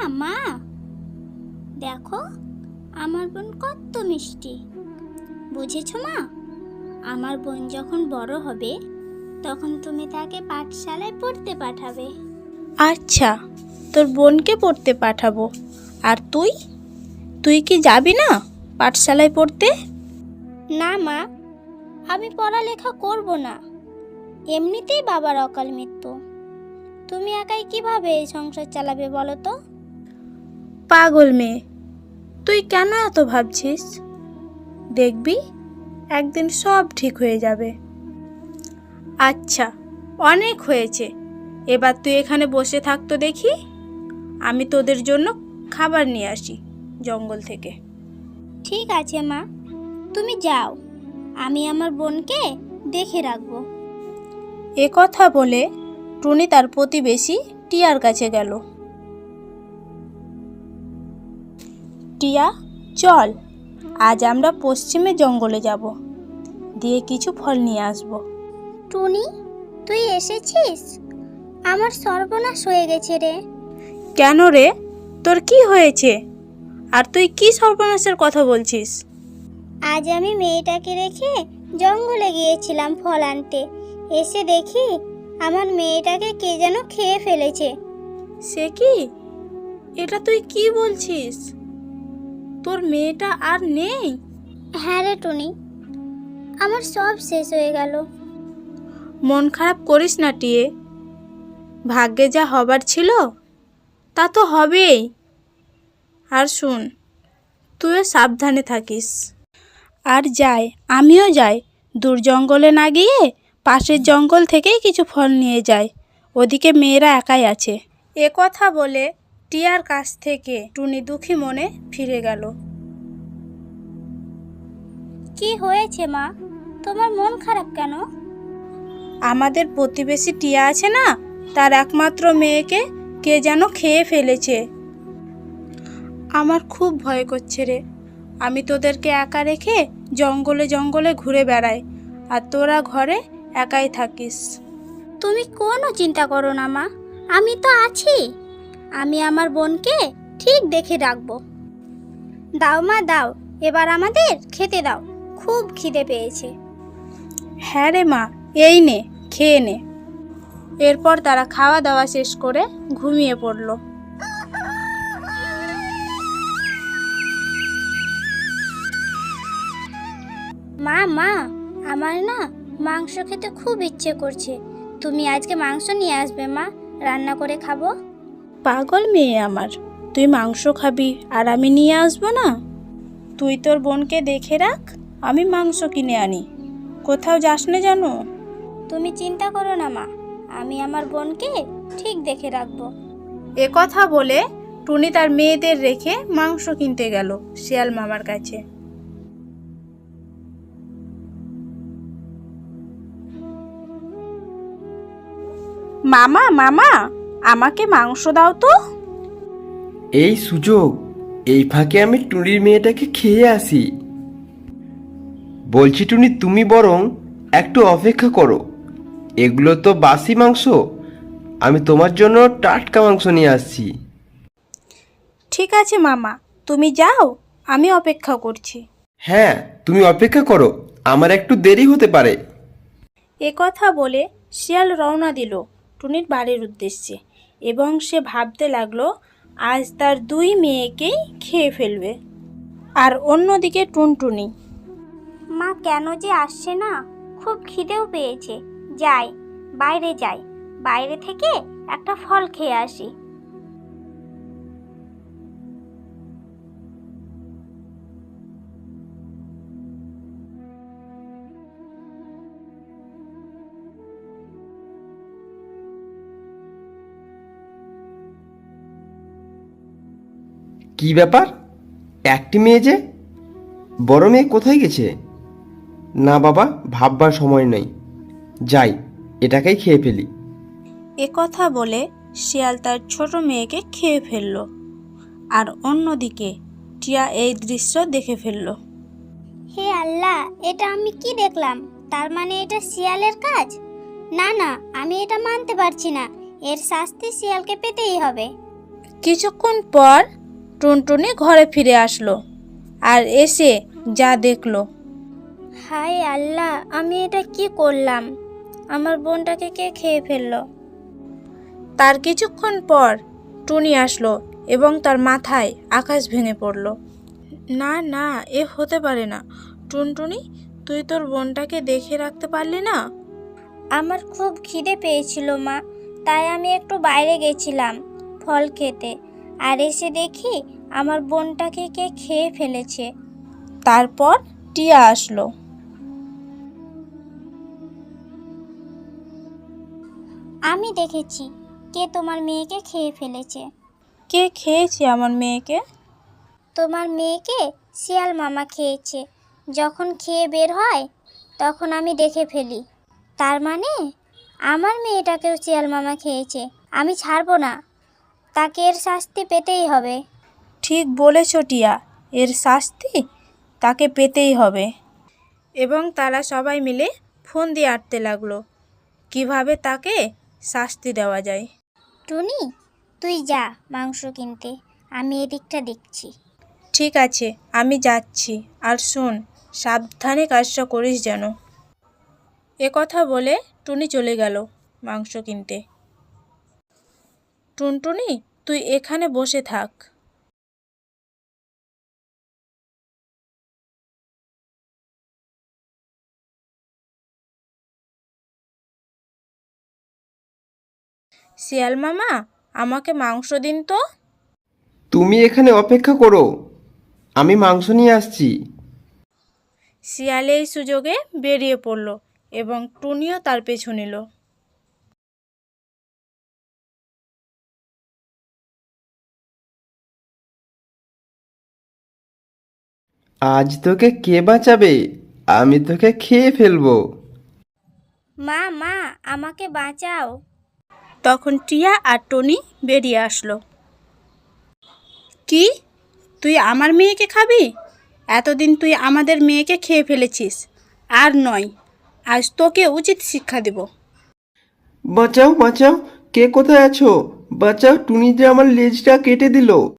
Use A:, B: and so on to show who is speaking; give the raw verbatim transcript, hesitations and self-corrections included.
A: মা, দেখো আমার বোন কত মিষ্টি। বুঝেছো মা? আমার বোন যখন বড় হবে তখন তুমি তাকে পাঠশালায় পড়তে পাঠাবে।
B: আচ্ছা, তোর বোনকে পড়তে পাঠাবো। আর তুই তুই কি যাবি না পাঠশালায় পড়তে?
A: না মা, আমি পড়ালেখা করব না। এমনিতেই বাবার অকাল মৃত্যু। তুমি একাই কিভাবে এই সংসার চালাবে বলো তো?
B: পাগল মেয়ে, তুই কেন এত ভাবছিস? দেখবি একদিন সব ঠিক হয়ে যাবে। আচ্ছা, অনেক হয়েছে, এবার তুই এখানে বসে থাকতো দেখি, আমি তোদের জন্য খাবার নিয়ে আসি জঙ্গল থেকে।
A: ঠিক আছে মা, তুমি যাও, আমি আমার বোনকে দেখে রাখবো।
B: এ কথা বলে টুনি তার প্রতিবেশী টিয়ার কাছে গেল। টিয়া, চল, আজ আমরা পশ্চিমে জঙ্গলে যাব, দিয়ে কিছু ফল নিয়ে আসব।
A: টুনি, তুই এসেছিস? আমার সর্বনাশ হয়ে গেছে রে।
B: কেন রে, তোর কি হয়েছে? আর তুই কি সর্বনাশের কথা বলছিস?
A: আজ আমি মেয়েটাকে রেখে জঙ্গলে গিয়েছিলাম ফল আনতে। এসে দেখি আমার মেয়েটাকে কে যেন খেয়ে ফেলেছে।
B: সে কি? এটা তুই কি বলছিস? তোর মেয়েটা আর নেই?
A: হ্যাঁ রে টুনি, আমার সব শেষ হয়ে গেল।
B: মন খারাপ করিস না টিয়ে, ভাগ্যে যা হবার ছিল তা তো হবেই। আর শুন, তুইও সাবধানে থাকিস। আর যাই, আমিও যাই, দূর জঙ্গলে না গিয়ে পাশের জঙ্গল থেকেই কিছু ফল নিয়ে যাই, ওদিকে মেয়েরা একাই আছে। এ কথা বলে টিয়ার কাছ থেকে টুনি দুঃখী মনে ফিরে গেল।
A: কি হয়েছে মা, তোমার মন খারাপ কেন?
B: আমাদের প্রতিবেশী টিয়া আছে না, তার একমাত্র মেয়েকে কে যেন খেয়ে ফেলেছে। আমার খুব ভয় করছে রে। আমি তোদেরকে একা রেখে জঙ্গলে জঙ্গলে ঘুরে বেড়াই, আর তোরা ঘরে একাই থাকিস।
A: তুমি কোনো চিন্তা করো না মা, আমি তো আছি। আমি আমার বোনকে ঠিক দেখে রাখবো। দাও মা দাও, এবার আমাদের খেতে দাও, খুব খিদে পেয়েছে।
B: হ্যাঁ রে মা, এই নে, খেয়ে নে। এরপর তারা খাওয়া দাওয়া শেষ করে ঘুমিয়ে পড়ল।
A: মা মা, আমার না মাংস খেতে খুব ইচ্ছে করছে। তুমি আজকে মাংস নিয়ে আসবে মা, রান্না করে খাবো।
B: পাগল মেয়ে আমার, তুই মাংস খাবি আর আমি নিয়ে আসবো না? তুই তোর বোনকে দেখে রাখ, আমি মাংস কিনে আনি। কোথাও যাস না জানো?
A: তুমি চিন্তা করো না মা, আমি আমার বোনকে ঠিক দেখে রাখবো।
B: এ কথা বলে টুনি তার মেয়েদের রেখে মাংস কিনতে গেল শিয়াল মামার কাছে। মামা মামা, আমাকে মাংস দাও তো।
C: এই সুযোগ, এই ফাঁকে আমি টুনির মেয়েটাকে খেয়ে আসি। বলছি টুনি, তুমি বরং একটু অপেক্ষা করো, এগুলো তো বাসি মাংস, আমি তোমার জন্য টাটকা মাংস নিয়ে আসছি।
B: ঠিক আছে মামা, তুমি যাও, আমি অপেক্ষা করছি।
C: হ্যাঁ, তুমি অপেক্ষা করো, আমার একটু দেরি হতে পারে।
B: এ কথা বলে শিয়াল রওনা দিল টুনির বাড়ির উদ্দেশ্যে, এবং সে ভাবতে লাগলো আজ তার দুই মেয়েকেই খেয়ে ফেলবে। আর অন্যদিকে টুনটুনি।
A: মা কেন যে আসছে না, খুব খিদেও পেয়েছে। যাই, বাইরে যাই, বাইরে থেকে একটা ফল খেয়ে আসি।
C: কি ব্যাপার, একটি মেয়ে যে? বড় মেয়ে কোথায় গেছে? না বাবা, ভাববার সময় নেই, যাই, এটাকেই খেয়ে ফেলি।
B: এ কথা বলে শিয়াল তার ছোট মেয়েকে খেয়ে ফেলল। আর অন্যদিকে টিয়া এই দৃশ্য দেখে ফেলল।
A: হে আল্লাহ, এটা আমি কি দেখলাম? তার মানে এটা শিয়ালের কাজ? না না, আমি এটা মানতে পারছি না। এর শাস্তি শিয়ালকে পেতেই হবে।
B: কিছুক্ষণ পর টুনটুনি ঘরে ফিরে আসলো আর এসে যা দেখলো।
A: হায় আল্লাহ, আমি এটা কি করলাম? আমার বোনটাকে কে খেয়ে ফেললো?
B: তার কিছুক্ষণ পর টুনি আসলো এবং তার মাথায় আকাশ ভেঙে পড়ল। না না, এ হতে পারে না। টুনটুনি, তুই তোর বোনটাকে দেখে রাখতে পারলি না?
A: আমার খুব খিদে পেয়েছিল মা, তাই আমি একটু বাইরে গেছিলাম ফল খেতে, আর এসে দেখি আমার বোনটাকে কে খেয়ে ফেলেছে।
B: তারপর টিয়া আসলো।
A: আমি দেখেছি কে তোমার মেয়েকে খেয়ে ফেলেছে।
B: কে খেয়েছে আমার মেয়েকে?
A: তোমার মেয়েকে শিয়াল মামা খেয়েছে। যখন খেয়ে বের হয় তখন আমি দেখে ফেলি। তার মানে আমার মেয়েটাকেও শিয়াল মামা খেয়েছে। আমি ছাড়বো না, তাকে এর শাস্তি পেতেই হবে।
B: ঠিক বলেছ টিয়া, এর শাস্তি তাকে পেতেই হবে। এবং তারা সবাই মিলে ফোন দিয়ে আঁটতে লাগলো কিভাবে তাকে শাস্তি দেওয়া যায়।
A: টুনি, তুই যা মাংস কিনতে, আমি এদিকটা দেখছি।
B: ঠিক আছে, আমি যাচ্ছি। আর শোন, সাবধানে কাজটা করিস যেন। এ কথা বলে টুনি চলে গেল মাংস কিনতে। টুনটুনি, তুই এখানে বসে থাক। শিয়াল মামা, আমাকে মাংস দিন তো।
C: তুমি এখানে অপেক্ষা করো, আমি মাংস নিয়ে আসছি।
B: শিয়াল এই সুযোগে বেরিয়ে পড়ল এবং টুনিও তার পেছু নিল।
C: আজ তোকে কে বাঁচাবে? আমি তোকে খেয়ে ফেলবো।
A: মা মা আমাকে বাঁচাও।
B: তখন টিয়া আর টনি বেরিয়ে আসলো। কি, তুই আমার মেয়েকে খাবি? এতদিন তুই আমাদের মেয়েকে খেয়ে ফেলেছিস। আর নয়, আজ তোকে উচিত শিক্ষা দেব।
C: বাঁচাও বাঁচাও, কে কোথায় আছো? বাঁচাও, টুনি যে আমার লেজটা কেটে দিল।